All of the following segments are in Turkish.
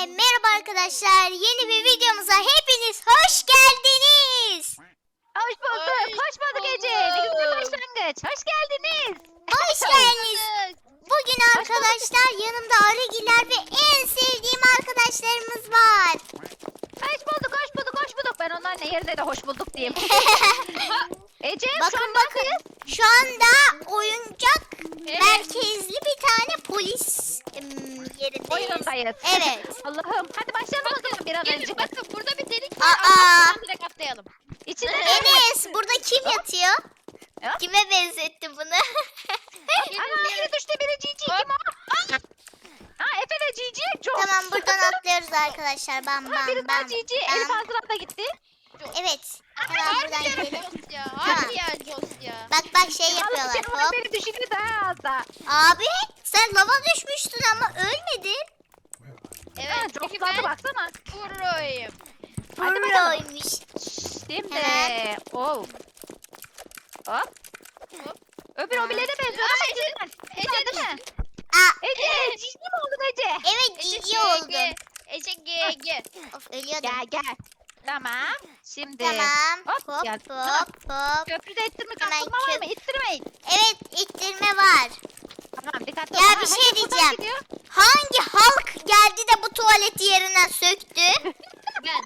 Merhaba arkadaşlar. Yeni bir videomuza hepiniz hoş geldiniz. Hoş bulduk. Hoş bulduk Ece. Ne güzel başlangıç. Hoş geldiniz. Hoş geldiniz. Bugün arkadaşlar yanımda Arıgiler ve en sevdiğim arkadaşlarımız var. Hoş bulduk, hoş bulduk, hoş bulduk. Ben onların yerine de hoş bulduk diyeyim. Ece şu Bakın an bakın. Şu anda oyuncak merkezli bir tane polis yerindeyiz. oyundayız. Evet. Allah'ım. Hadi başlayalım o zaman bir an önce. Bakın burada bir delik var. Aa. Buradan direkt atlayalım. İçinde Enes burada kim yatıyor? Ya. Kime benzettin bunu? Ana biri düştü, biri Cici. Kim o? Ha Efe de Cici. Çok. Tamam buradan atlıyoruz arkadaşlar. Bam Ha, bam biri daha bam. Cici. bam. Elif Azra da gitti. Evet. Hemen buradan Harbi ya gidelim. Jos ya. Tamam. Harbi ya Jos ya. Bak şey yapıyorlar. Allah'ım Hop. beni düşündü daha az da. Abi sen lava düşmüştün ama ölmedin. Evet Çok çünkü tatlı ben baksana. proyum. Hadi bakalım. Proymuş. Şimdi. Hemen. Oh. Hop. Hop. Öbür obile de benziyor ama Ece'den. Ece Değil mi? Aa, Ece cici mi oldun Ece? evet cici oldun. Ece GG. Of ölüyordum. Gel. Tamam. Şimdi. Tamam. Hop, Hop gel. hop. Köprüde ittirme Hemen kalkma var mı? İttirmeyin. Evet ittirme var. Tamam dikkatli Ya ol. bir Ha, şey herkes buradan diyeceğim. gidiyor. Hangi halk geldi de bu tuvaleti yerinden söktü? Ben.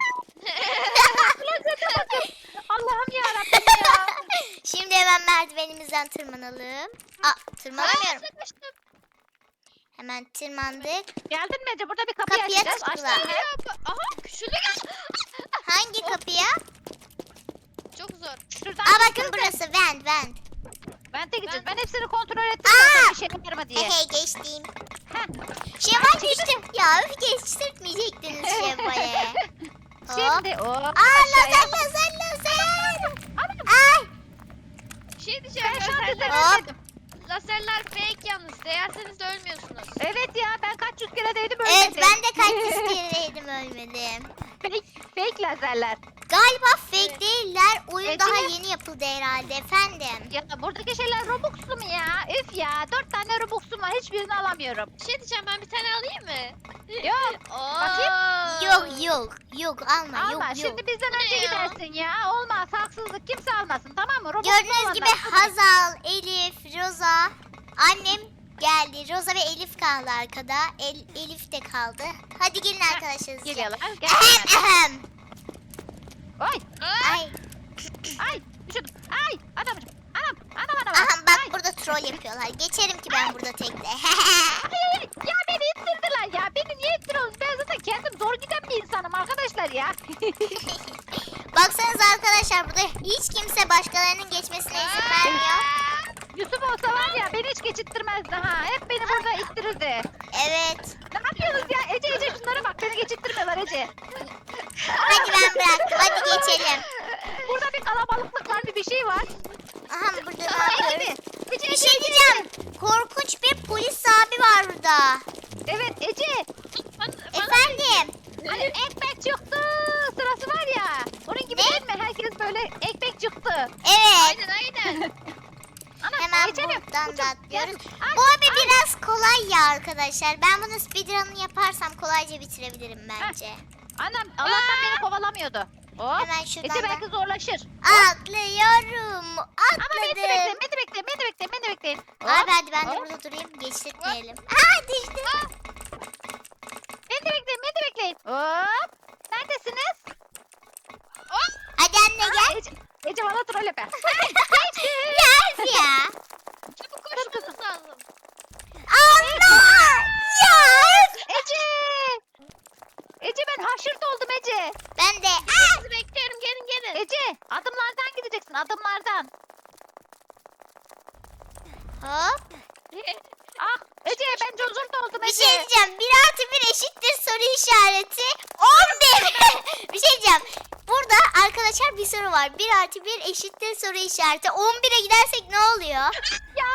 Allah'ım yarabbim ya. Şimdi hemen merdivenimizden tırmanalım. Aa tırmanamıyorum. Sıkıştım. Hemen tırmandık. Geldin mi Ece? Burada bir kapı Kapıya açacağız. tıkla. Açtın mı? Aha küçülü gel. Hangi kapıya? Çok zor. Şuradan Aa bakın gideceğiz de. burası vent. Ben de gideceğiz. Ben- Ben hepsini kontrol ettim. Aa! Zaten bir şey var mı diye. Hey geçtim. Heh. Şevval geçtim. Ya öf geçtirtmeyecektiniz Şevval'e. Hop. Şimdi o. Aa aşağıya. lazer. Anam, Ay. Bir şey diyeceğim. Ben şu an Laserler, düzenlemedim. laserler fake yalnız. Değerseniz de ölmüyorsunuz. Evet ya ben kaç yüz kere değdim Evet ölmedim. ben de kaç kereydim ölmedim. Fake lazerler. Galiba fake değiller. Oyun Evet, daha değil mi? yeni yapıldı herhalde efendim. Ya buradaki şeyler Robux'lu mu ya? Üf ya 4 tane Robux'um var hiçbirini alamıyorum. Bir şey diyeceğim, ben bir tane alayım mı? Yok Yok alma alma yok. şimdi bizden Bu ne önce ya? gidersin ya. Olmaz haksızlık kimse almasın tamam mı? Robux'lu Gördüğünüz gibi olanlar- Hazal, Elif, Roza, annem geldi. Roza ve Elif kaldı arkada. Elif de kaldı. Hadi gelin arkadaşlar. Geliyorlar. Ahem, Gel. ahem. Oy. Ay, Ay düşürdüm. Ay adamcım. Anam. aha bak Ay. burada troll yapıyorlar. Geçerim ki ben burada tekte. Ay. Ya beni ittirdiler ya. Beni niye ittiriyorsunuz? Ben zaten kendim zor giden bir insanım arkadaşlar ya. Baksanıza arkadaşlar burada hiç kimse başkalarının geçmesine izin vermiyor. Yusuf olsa var ya beni hiç geçittirmezdi ha. Hep beni burada ittirirdi. Evet. Ne yapıyorsunuz ya? Ece şunlara bak beni geçittirmiyorlar Ece. Hadi ben bıraktım. Hadi geçelim. Burada bir kalabalıklık var bir şey var. Aha burada ne yapıyoruz? Ece, Bir şey diyeceğim. Korkunç bir polis abi var burada. Evet Ece. Efendim. Hani ekmek çıktı sırası var ya. Onun gibi Ne? değil mi? Herkes böyle ekmek çıktı. Evet. Aynen. Ana, Hemen geçelim. buradan da Uçun, atlıyoruz. gel. Ay, Bu abi biraz kolay ya arkadaşlar. Ben bunu speedrun'ını yaparsam kolayca bitirebilirim bence. Anam Allah'tan beni kovalamıyordu. Hop. Hemen şuradan Ece da- belki zorlaşır. Atlıyorum. Ama beni Atladım. bekle. Abi hadi ben de Hop. burada durayım. Geçtirtmeyelim. Aa düştüm. Beni de bekleyin. Hop. Neredesiniz? Hadi anne gel. Ece bana troll yapar. Gel ya. Çabuk koşmanız lazım. Allah. Ya. Ece ben haşırt oldum Ece. Ben de. Sizi bekliyorum, gelin. Ece adımlardan gideceksin adımlardan. Hop. Ah Ece ben cozurt oldum Bir Ece. şey diyeceğim. 1 artı 1 eşittir soru işareti. 11. Bir şey diyeceğim. Burada arkadaşlar bir soru var. 1 artı 1 eşittir soru işareti. 11'e gidersek ne oluyor? Ya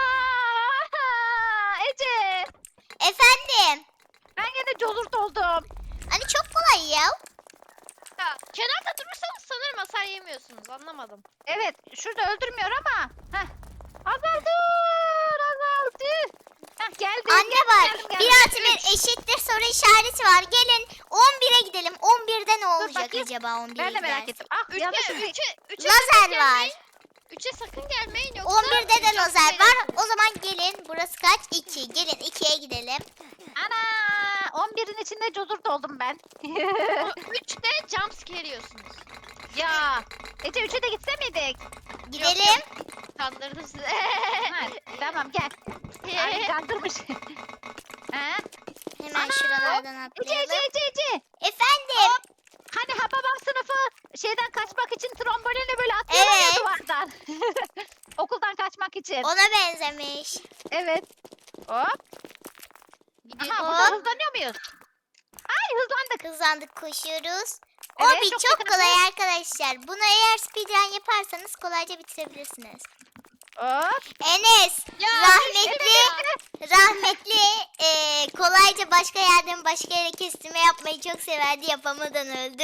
Ece Efendim. ben yine cozurt oldum. Hani çok kolay ya. Ya, kenarda durursanız sanırım hasar yemiyorsunuz. Anlamadım. Evet şurada öldürmüyor ama. Heh. Azal dur. Azal dur. Heh. geldim. Anne bak geldim. 1 artı 1 eşittir soru işareti var. Gelin 11'e gidelim. 11'de ne olacak bakayım. acaba 11'e Ben de merak gidersek? ettim. Ah yanlış. Üçe Lazer var. 3'e sakın gelmeyin yoksa 11'de de çok lazer var. eğlenceli. O zaman gelin. Burası kaç? 2. Gelin 2'ye gidelim. Ana 11'in içinde cozurt oldum ben. 3'te jumpscare yiyorsunuz. Ya Ece 3'e de gitse miydik? Gidelim. Kandırdım sizi. Ha, tamam gel. Ay kandırmış. Ha? Hemen Ana! şuralardan Ece Ece atlayalım. Ece Ece. Efendim. Hani Hababam sınıfı şeyden kaçmak için trombolinle böyle atlıyorlar ya Evet. duvardan. Okuldan kaçmak için. Ona benzemiş. Evet. Hop. Aha Gidiyorum. burada Hop. hızlanıyor muyuz? Ay hızlandık. Hızlandık koşuyoruz. Evet, Obi çok çok güzel. kolay arkadaşlar. Bunu eğer speedrun yaparsanız kolayca bitirebilirsiniz. Hop. Enes Ya, rahmetli kolayca başka yerden başka yere kestirme yapmayı çok severdi, yapamadan öldü.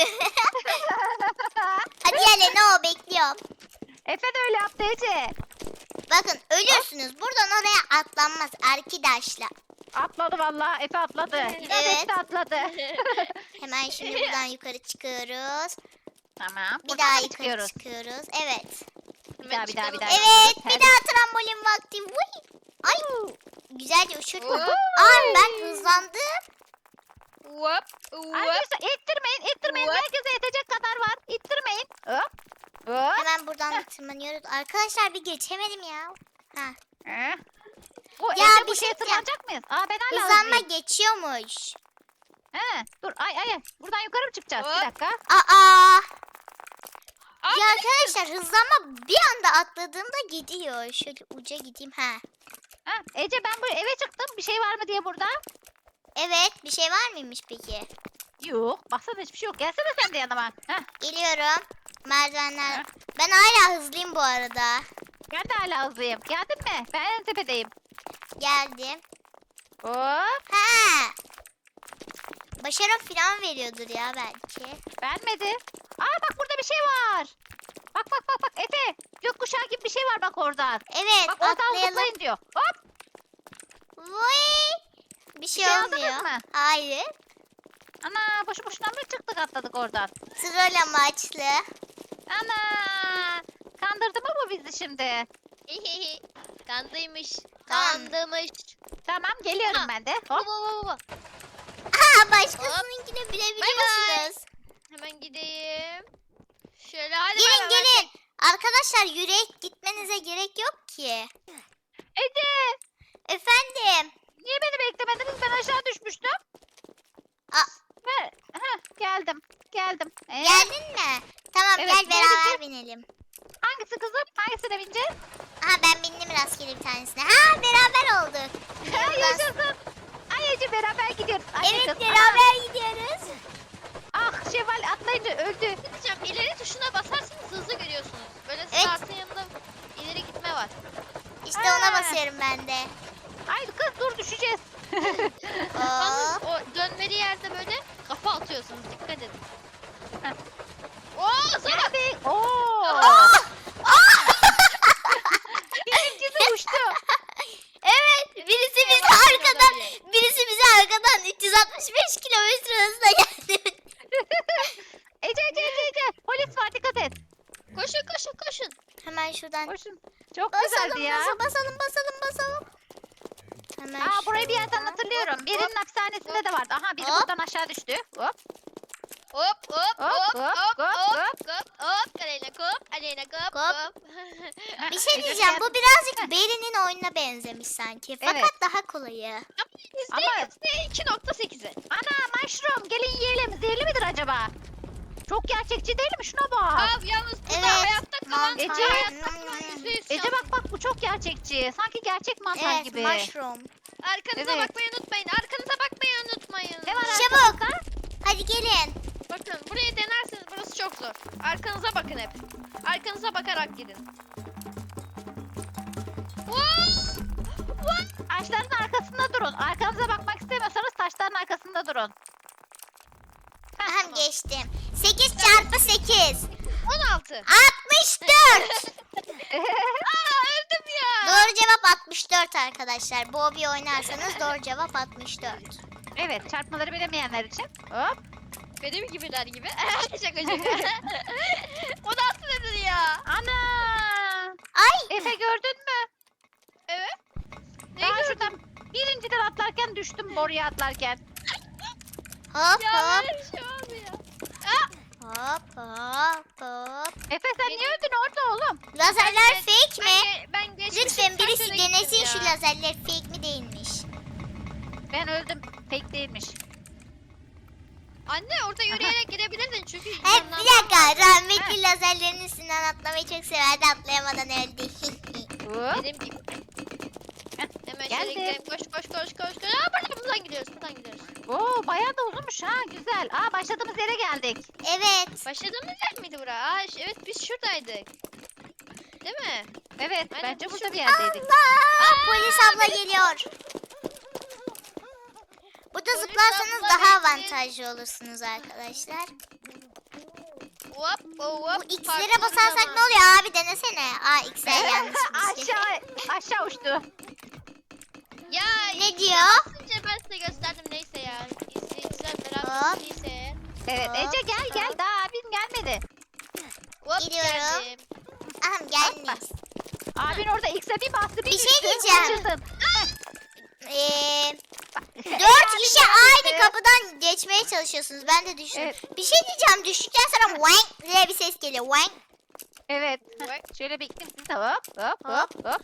Hadi gel ne o bekliyorum. Efe de öyle yaptı Ece. Bakın ölürsünüz. Buradan oraya atlanmaz arkadaşlar. Atladı vallahi. Efe atladı. İnat Evet. etti atladı. Hemen şimdi buradan yukarı çıkıyoruz. Tamam. Bir buradan daha mı yukarı çıkıyoruz? çıkıyoruz. Evet. Bir daha. Evet bir daha trambolin vakti. Vuy. Ay güzelce uçurdum. Oo. Ay ben hızlandım. Hop. Hop. Arkadaşlar ittirmeyin. What? Herkese yetecek kadar var. İttirmeyin. Hop. Hop. Hemen buradan da tırmanıyoruz. Arkadaşlar bir geçemedim ya. Ha. Bu Ya, Ece bir bu şeye şey tırmanacak mıyız? Aa ben hala Hızlanma hızlıyım. geçiyormuş. Dur ay. Buradan yukarı mı çıkacağız? Hop. Bir dakika. Aa. Aa, Ya arkadaşlar hızlanma bir anda atladığımda gidiyor. Şöyle uca gideyim. Ha. Ha, Ece ben bu eve çıktım. Bir şey var mı diye burada. Evet bir şey var mıymış peki? Yok. Baksana hiçbir şey yok. Gelsene sen de yanıma. Heh, Geliyorum. Merdivenler. Ha. Ben hala hızlıyım bu arada. ben de hala hızlıyım. Geldin mi? Ben en tepedeyim. Geldim. Hop. Ha. Başarı falan veriyordur ya belki. Vermedi. Aa bak burada bir şey var. Bak. Efe. Gökkuşağı gibi bir şey var bak oradan. Evet Bak oradan atlayalım. zıplayın diyor. Hop. Vay. Bir şey şey olmuyor. aldınız mı? Hayır. Ana boşu boşuna mı çıktık atladık oradan. Troll amaçlı. Ana. Kandırdı mı bu bizi şimdi? Kandıymış. Tamam. Kandıymış. Tamam geliyorum Ha. ben de. Baba Hop. baba. Aa başkasınınkini bilebiliyorsunuz. Hemen gideyim. Şöyle hadi Gelin beraber gelin. Arkadaşlar yürek gitmenize gerek yok ki. Ece. Efendim. Niye beni beklemediniz? Ben aşağı düşmüştüm. Aa. Geldim. Geldin mi? Tamam Evet, gel beraber geldim. binelim. Hangisi kızım? Hangisine bineceğiz? Ha ben bindim rastgele bir tanesine. Ha beraber olduk. Ha, Buradan- yaşasın. Ay Ece beraber gidiyoruz. Ay, Evet kız. beraber gidiyoruz. Ah Şevval atlayınca öldü. gideceğim. İleri tuşuna basarsanız hızlı görüyorsunuz. Böyle Evet. startın yanında ileri gitme var. İşte ona Ha. basıyorum ben de. Ay kız dur düşeceğiz. Yalnız Oo. o dönmeli yerde böyle kafa atıyorsunuz. Dikkat edin. Heh. Oo sana. Geldik. Oo. Aa! Bizimkisi uçtu. Evet birisi bizi Yavaş arkadan olabilir. birisi bizi arkadan 365 kilometre hızla geldi. Ece. Polis var dikkat et. Koşun. Hemen şuradan Koşun. Çok basalım güzeldi ya. basalım. Hemen Aa burayı bir yerden şuradan. hatırlıyorum. Birinin hapishanesinde de vardı. Aha biri Hop. buradan aşağı düştü. Hop. Hop. Aleyna kop. Kop. Kop. Bir şey Ece diyeceğim gel. bu birazcık Beri'nin oyununa benzemiş sanki. Fakat Evet. daha kolayı. Ama- %2.8'i. Ana mushroom gelin yiyelim. Zehirli midir acaba? Çok gerçekçi değil mi? Şuna bak. Abi yalnız burada Evet, hayatta kalan mantar. Ece. hayatta kalan %100 Ece bak bu çok gerçekçi. Sanki gerçek mantar Evet gibi. mushroom. Arkanıza Evet. bakmayı unutmayın. Ne var Çabuk. arkamızda? Hadi gelin. Bakın burayı denerseniz burası çok zor. Arkanıza bakın hep. Arkanıza bakarak gidin. Taşların arkasında durun. Arkanıza bakmak istemiyorsanız taşların arkasında durun. Hem geçtim. 8 çarpı 8. 16. 64. Öldüm ya. Doğru cevap 64 arkadaşlar. Bu hobi oynarsanız doğru cevap 64. Evet, çarpmaları bilemeyenler için. Hop. Benim gibiler gibi. Şaka şaka. O nasıl nedir ya? Ana! Ay Efe gördün mü? Evet. Ne Ben gördün? şuradan birinciden atlarken düştüm boruya atlarken. hop Ya hop böyle bir şey oldu ya. hop hop hop. Efe sen niye öldün orada oğlum? Lazerler Ben- fake mi? Ben geçmişim. Lütfen birisi kaç yere denesin gittim şu ya. lazerler fake mi değilmiş. Ben öldüm. Fake değilmiş. Anne orada yürüyerek girebilirdin çünkü. Hep yandan- bir dakika rahmetli lazerlerin üstünden atlamayı çok severdi atlayamadan öldü. Hop. Benim gibi. Heh, Hemen geldim. şöyle gidelim. Koş koş koş koş koş. Buradan gidiyoruz. Buradan gidiyoruz. Oo bayağı da uzunmuş ha güzel. Aa başladığımız yere geldik. Evet. Başladığımız yer miydi bura? Evet biz şuradaydık. Değil mi? Evet Aynen, bence biz burada bir şurada- yerdeydik. Allah! Polis abla geliyor. Burada Polis zıplarsanız abla daha bekle. avantajlı olursunuz arkadaşlar. Hop hop. Bu X'lere basarsak ne oluyor abi denesene. Aa X'ler yanlış bir şey. Aşağı uçtu. Ya Ne diyor? Önce ben size gösterdim neyse ya. İzleyiciler Hop. merak ettiyse. Evet Hop, Ece gel gel hop. daha abin gelmedi. Hop Gidiyorum. geldim. Aham gelmiş. Abin orada X'e bir bastı bir Bir şey düştü, diyeceğim. kaçırdın. 4 kişi aynı kapıdan geçmeye çalışıyorsunuz. Ben de düşünüyorum. Evet. Bir şey diyeceğim. Düştükten sonra wank diye bir ses geliyor. Wank. Evet. Bak. Şöyle bir gittim siz de hop hop hop hop.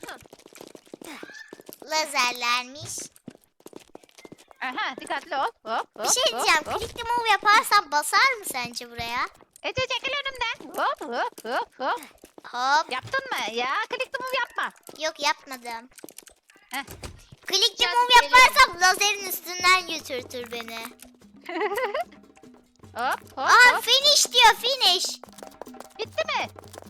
Lazerlermiş. Aha dikkatli ol. Hop hop. Bir şey hop, diyeceğim. hop. Click the move yaparsan basar mı sence buraya? Ece çekil önümden. Hop hop hop hop. Hop. Yaptın mı? Ya click the move yapma. Yok yapmadım. Heh. Click the Gel, move geliyorum. yaparsam lazerin üstünden götürtür beni. Hop hop Aa hop. finish diyor finish. Bitti mi?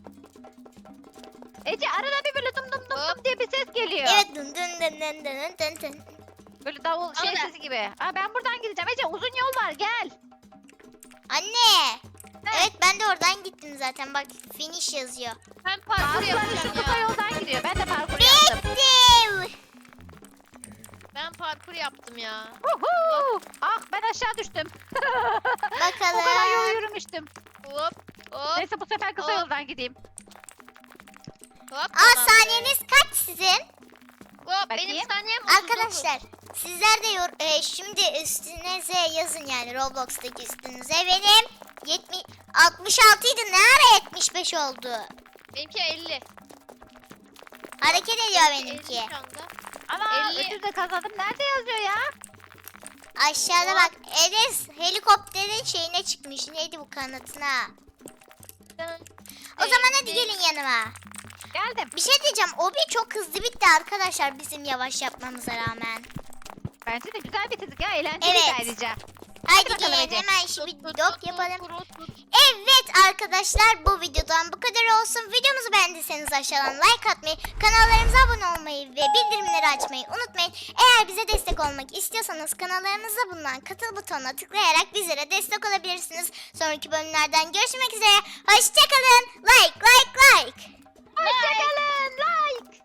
Ece arada bir böyle dum dum dum Hop. dum diye bir ses geliyor. Evet dın dın dın dın dın dın dın. Böyle davul şey Ama- sesi gibi. Aa ben buradan gideceğim. Ece uzun yol var gel. Anne. Ne? Evet ben de oradan gittim zaten. Bak finish yazıyor. Ben parkur Bazıları yapacağım şu kısa ya. yoldan gidiyor. Ben de parkur yaptım. Bittim. Ben parkur yaptım ya. Uhu! Ah ben aşağı düştüm. O kadar yol Bakalım. yürümüştüm. Hop hop Neyse bu sefer kısa Hop. yoldan gideyim. hop. Aa tamam. saniyeniz kaç sizin? Hop Bakayım. benim saniyem 39. Arkadaşlar sizler de şimdi üstünüze yazın yani Roblox'taki üstünüze. Benim 66 idi ne ara 75 oldu? Benimki 50. Hareket ediyor 50 benimki. şu anda. Ana 50. ödül de kazandım. Nerede yazıyor ya? Aşağıda bak Enes helikopterin şeyine çıkmış. Neydi bu kanatına? O zaman hadi gelin yanıma. Geldim. Bir şey diyeceğim. Obi çok hızlı bitti arkadaşlar bizim yavaş yapmamıza rağmen. Bence de güzel bitirdik ya. Eğlenceliydi Evet. ayrıca. Haydi bakalım gelin Ece. hemen şimdi Tut, dok tut, yapalım. tut, tut, tut. Evet arkadaşlar bu videodan bu kadar olsun. Videomuzu beğendiyseniz aşağıdan like atmayı, kanallarımıza abone olmayı ve bildirimleri açmayı unutmayın. Eğer bize destek olmak istiyorsanız kanallarımızda bulunan katıl butonuna tıklayarak bizlere destek olabilirsiniz. Sonraki bölümlerden görüşmek üzere. Hoşçakalın. Like. Hoşçakalın. Like.